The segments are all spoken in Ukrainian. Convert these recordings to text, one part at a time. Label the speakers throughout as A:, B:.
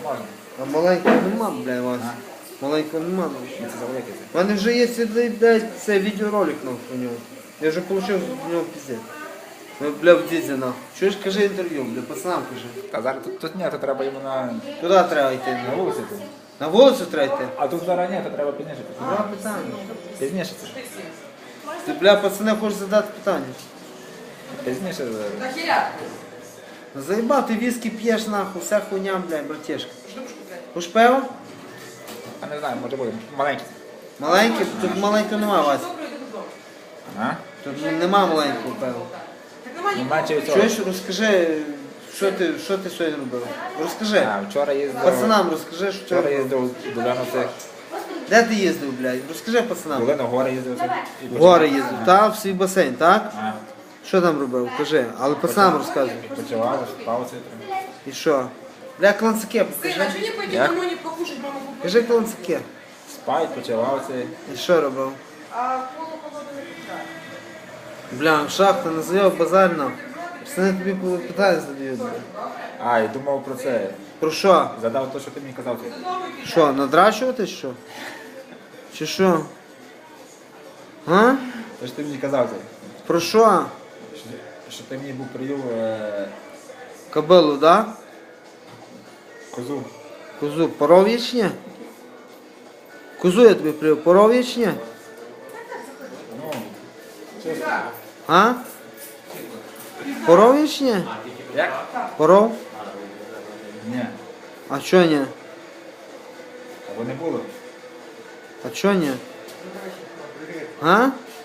A: Можна.
B: А маленького нема, бля, Вася. Маленького нема.
A: Це завеликий.
B: У мене вже є цей, блядь, це відеоролик нахуй у нього. Я вже отримав з нього піздець. Ну, бля, в дідзі нахуй. Чуєш, кажи інтерв'ю, бля, пацанам кажи.
A: Та зараз тут ні, то треба йому на
B: Куди треба йти?
A: вулиці. Тут.
B: На вулицю треба йти?
A: А тут зараз ні, то треба пізніше.
B: Два питання.
A: Пізніше це.
B: Ти, бля, пацани, хочеш задати питання?
A: Пізніше.
B: Ну, заїбав, ти віскі п'єш нахуй, вся хуйня, бля, братішка. Хоч пиво?
A: А не знаю, може буде. Маленький.
B: Маленький? Тут маленького нема, Вася.
A: А?
B: Тут нема маленького пива.
A: Ну, менше від цього.
B: Чуєш, розкажи, що ти сьогодні робив? Розкажи.
A: А, вчора їздив.
B: Пацанам розкажи, що ти
A: Вчора
B: робив.
A: їздив в Долину цих.
B: Де ти їздив, блядь? Розкажи пацанам.
A: Долину, в гори їздив.
B: В гори їздив, так? В свій басейн, так?
A: А,
B: Що там робив? Кажи. Але пацанам розказуй.
A: почував, спав це.
B: І що? Бля, кланцаке, покажи.
C: Сын, а что не пойти
A: Я?
C: домой не покушать, мама купила?
B: Кажи кланцаке.
A: Спав, почував це.
B: І що робив?
C: А колу погода не питає.
B: Бля, шахта, називав базарно. Пацани тобі питання задають. бля.
A: А, і думав про це.
B: Про що?
A: Задав те, що ти мені казав.
B: Що, надрачувати що? Чи що? А?
A: Те, що ти мені казав.
B: Про що?
A: Що ти мені був привів
B: Кобилу, да?
A: козу.
B: Козу, поров ячня? Козу я тобі привів, поров ячня?
A: Ну, чесно.
B: А? Поров ячня?
A: Як?
B: Поров?
A: Ні.
B: А чо ні?
A: Або не було.
B: А чо ні? А?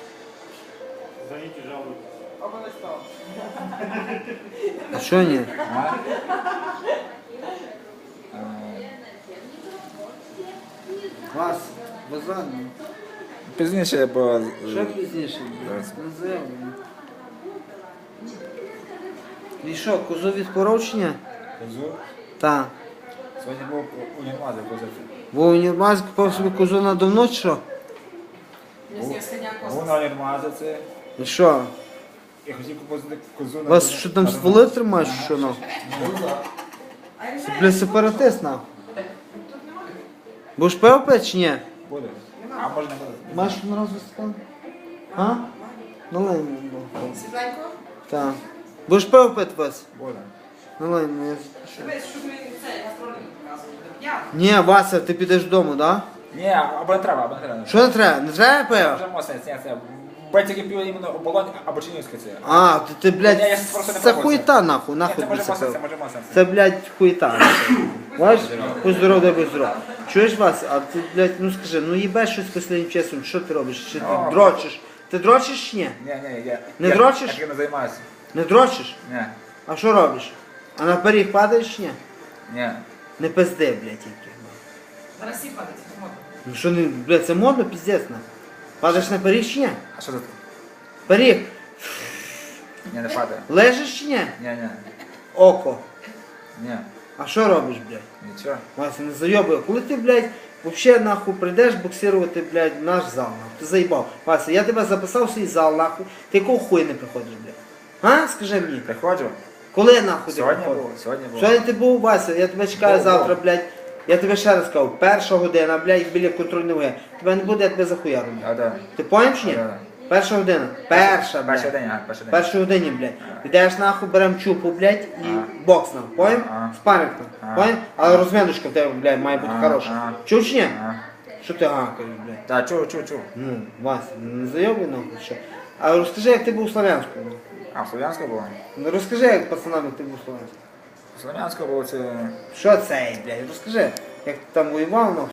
B: А чо ні?
A: А?
B: Вас, базарно.
A: Пізніше, бо...
B: Що пізніше?
A: Зараз.
B: Назив. І що, козу від порочення?
A: Козу.
B: Так.
A: Сьогодні був у Нірмазі козацький.
B: Бо універмазі купив собі козу на давно, чи що?
C: Если сходняк
A: Був на Нірмазі це.
B: І що?
A: Я хотів купити козу на...
B: Вас що там стволи тримаєш, чи що нахуй? Це, бля, сепаратист нахуй. Будеш пиво пити чи ні?
A: Буде. А може не буде.
B: Маєш на раз стакан? А? Налей мені.
C: Світленько?
B: Так. Будеш пиво пити, Вась?
A: Буде.
B: Налей мені, я запишу.
C: Дивись, щоб він це гастролі не показував. Я.
B: Ні, Вася, ти підеш додому, так?
A: Ні, або не треба, або не треба.
B: Що не треба? Не треба пиво?
A: Вже моцне, це. Бать пиво іменно оболонь або чинівське це.
B: А, ти, блядь,
A: Ні, я просто не
B: це
A: пробував
B: хуєта нахуй,
A: Ні,
B: нахуй
A: це може
B: тобі це
A: моцне, це
B: пиво.
A: може моцне.
B: Це, блядь, хуєта. Бачиш? Будь здоров, дай будь здоров. Чуєш, Вась, а ти, блядь, ну скажи, ну їбеш щось останнім часом, що ти робиш? Чи ти
A: О,
B: дрочиш? Ти дрочиш чи ні?
A: Ні, я...
B: Не
A: я-
B: дрочиш?
A: Я таким не займаюся.
B: Не дрочиш?
A: Ні,
B: А що робиш? А на пиріг падаєш чи ні?
A: ні.
B: Не пизди, блядь, тільки.
C: На Росії падать, модно.
B: Ну що не, блядь, це модно, піздець, нахуй. Падаєш на пиріг чи ні?
A: А що тут?
B: Пиріг.
A: Ні, не падає.
B: Лежиш чи ні?
A: Ні.
B: Око.
A: Ні.
B: А що робиш, блядь?
A: Нічого.
B: Вася, не зайобує. Коли ти, блядь, вообще нахуй прийдеш боксирувати, блядь, в наш зал, нахуй. Ти заїбав. Вася, я тебе записав в свій зал, нахуй. Ти якого хуя не приходиш, блядь? А? Скажи мені.
A: Приходжу.
B: Коли нахуй ти
A: Сьогодні
B: приходиш?
A: був, сьогодні був.
B: Сьогодні ти був, Вася, я тебе чекаю
A: Був,
B: завтра,
A: був.
B: блядь. Я тебе ще раз кажу, перша година, блядь, біля контрольної ваги. Тебе не буде, я тебе захуя роблю.
A: А, да.
B: Ти поняв чи ні?
A: Да.
B: Перша година. Перша, блядь.
A: Перший день, ага, перший день.
B: Першій годині, блядь. Йдеш нахуй, берем чупу, блядь, і
A: Ага.
B: бокс нахуй, поняв?
A: Ага.
B: Спаринг нахуй,
A: Ага.
B: поняв? Але розміночка в тебе, блядь, має бути
A: Ага,
B: хороша.
A: ага.
B: Чув чи ні?
A: Ага.
B: Що ти гакаєш, блядь?
A: Так, чув.
B: Ну, Вася, не зайобуй нахуй, що? А розкажи, як ти був у Слов'янську.
A: А, в Слов'янську було?
B: Ну розкажи, як пацанам, як ти був у Слов'янську.
A: В Слов'янську було це...
B: Що це, блядь? Розкажи, як ти там воював, нахуй.